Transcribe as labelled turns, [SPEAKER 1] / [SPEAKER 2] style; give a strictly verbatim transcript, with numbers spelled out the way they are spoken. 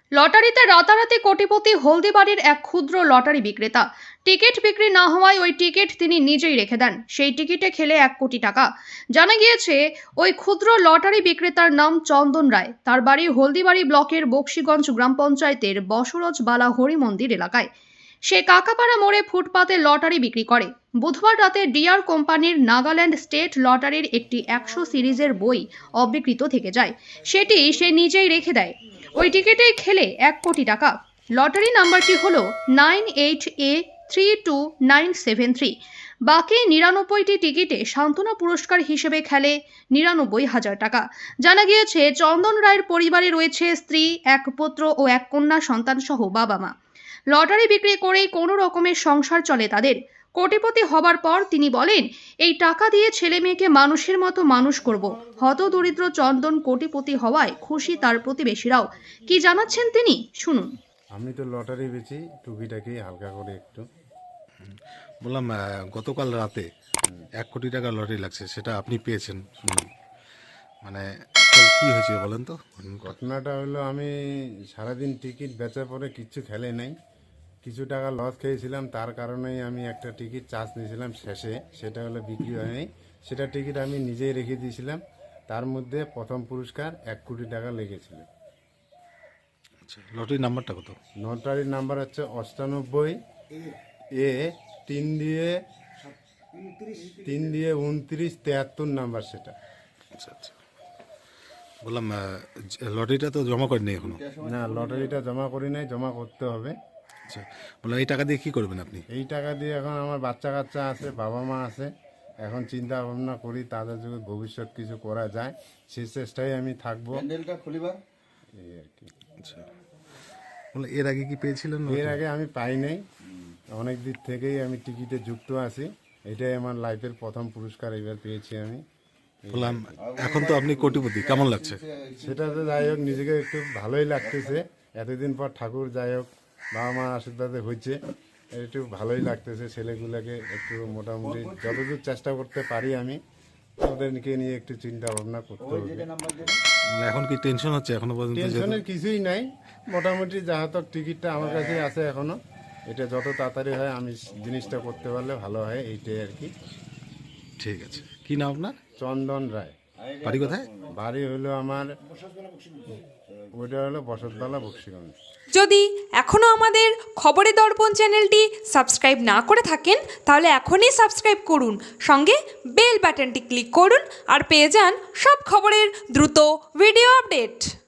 [SPEAKER 1] লটারিতে রাতারাতি কোটিপতি হলদিবাড়ির এক ক্ষুদ্র লটারি বিক্রেতা। টিকিট বিক্রি না হওয়ায় ওই টিকিট তিনি নিজেই রেখে দেন। সেই টিকিটে খেলে এক কোটি টাকা। জানা গিয়েছে ওই ক্ষুদ্র লটারি বিক্রেতার নাম চন্দন রায়। তার বাড়ি হলদিবাড়ি ব্লকের বক্সিগঞ্জ গ্রাম পঞ্চায়েতের বসরজবালা হরি মন্দির এলাকায়। সে কাকাপাড়া মোড়ে ফুটপাতে লটারি বিক্রি করে। বুধবার রাতে ডিয়ার কোম্পানির নাগাল্যান্ড স্টেট লটারির একটি একশো সিরিজের বই অবিকৃত থেকে যায়। সেটি সে নিজেই রেখে দেয়। ওই টিকিটে খেলে এক কোটি টাকা। লটারি নাম্বারটি হলো nine eight A three two nine seven three. বাকি নিরানব্বইটি টিকিটে সান্ত্বনা পুরস্কার হিসেবে খেলে নিরানব্বই হাজার টাকা। জানা গিয়েছে চন্দন রায়ের পরিবারে রয়েছে স্ত্রী, এক পুত্র ও এক কন্যা সন্তান সহ বাবা মা। লটারি বিক্রি করেই কোনো রকমের সংসার চলে তাদের। কোটিপতি হবার পর তিনি বলেন, এই টাকা দিয়ে ছেলে মেয়েকে মানুষের মতো মানুষ করব। হতদরিদ্র চন্দন কোটিপতি হওয়ায় খুশি তার প্রতিবেশীরাও। কি জানাচ্ছেন তিনি, শুনুন।
[SPEAKER 2] আমি তো লটারি বেচি, টুকিটাকি হালকা করে একটু।
[SPEAKER 3] বললাম আহ, গতকাল রাতে এক কোটি টাকা লটারি লাগছে, সেটা আপনি পেয়েছেন শুনুন। মানে তো কি হয়েছে বলেন তো?
[SPEAKER 2] ঘটনাটা হলো, আমি সারাদিন টিকিট বেচার পরে কিচ্ছু খেলে নাই, কিছু টাকা লস খেয়েছিলাম। তার কারণেই আমি একটা টিকিট চার্জ নিয়েছিলাম শেষে, সেটা হলো বিক্রি হয়নি। সেটা টিকিট আমি নিজেই রেখে দিয়েছিলাম। তার মধ্যে প্রথম পুরস্কার এক কোটি টাকা লেগেছিল।
[SPEAKER 3] আচ্ছা, লটারির নাম্বারটা কত?
[SPEAKER 2] লটারির নাম্বার হচ্ছে অষ্টানব্বই এ তিন দিয়ে তিন দিয়ে উনত্রিশ তেহাত্তর নাম্বার সেটা।
[SPEAKER 3] আচ্ছা আচ্ছা, বললাম আহ, লটারিটা তো জমা করেনি এখনো?
[SPEAKER 2] না, লটারিটা জমা করি নাই, জমা করতে হবে।
[SPEAKER 3] আচ্ছা, বললাম এই টাকা দিয়ে কি করবেন আপনি?
[SPEAKER 2] এই টাকা দিয়ে এখন আমার বাচ্চা কাচ্চা আছে, বাবা মা আছে, এখন চিন্তা ভাবনা করি তাদের যদি ভবিষ্যৎ কিছু করা যায় সেই চেষ্টায় আমি থাকবো, এই আর কি।
[SPEAKER 3] আচ্ছা, বললাম এর আগে কি পেয়েছিলেন?
[SPEAKER 2] এর আগে আমি পাই নাই, অনেক দিক থেকেই আমি টিকিটে যুক্ত আছি। এটাই আমার লাইফের প্রথম পুরস্কার এবার পেয়েছি আমি।
[SPEAKER 3] বললাম এখন তো আপনি কোটিপতি, কেমন লাগছে?
[SPEAKER 2] সেটা তো যাই হোক, নিজেকে একটু ভালোই লাগতেছে। এতদিন পর ঠাকুর যাই হোক বাবা মার আশীর্বাদে হয়েছে, একটু ভালোই লাগতেছে। ছেলেগুলোকে একটু মোটামুটি যতদূর চেষ্টা করতে পারি আমি ওদেরকে নিয়ে একটু চিন্তা ভাবনা করতে হবে।
[SPEAKER 3] মানে এখন কি টেনশন হচ্ছে এখনো পর্যন্ত?
[SPEAKER 2] টেনশনের কিছুই নাই, মোটামুটি যাহত টিকিটটা আমার কাছে আছে এখনো। এটা যত তাড়াতাড়ি হয় আমি জিনিসটা করতে পারলে ভালো হয়, এইটাই আর কি।
[SPEAKER 3] ঠিক আছে, কি নাম আপনার?
[SPEAKER 2] চন্দন রায়।
[SPEAKER 3] বাড়ি কোথায়?
[SPEAKER 2] বাড়ি হলো আমার, ওইটা হলো বসতবালা বক্সিগঞ্জ।
[SPEAKER 4] যদি এখনও আমাদের খবরের দর্পণ চ্যানেলটি সাবস্ক্রাইব না করে থাকেন তাহলে এখনই সাবস্ক্রাইব করুন, সঙ্গে বেল বাটনটি ক্লিক করুন আর পেয়ে যান সব খবরের দ্রুত ভিডিও আপডেট।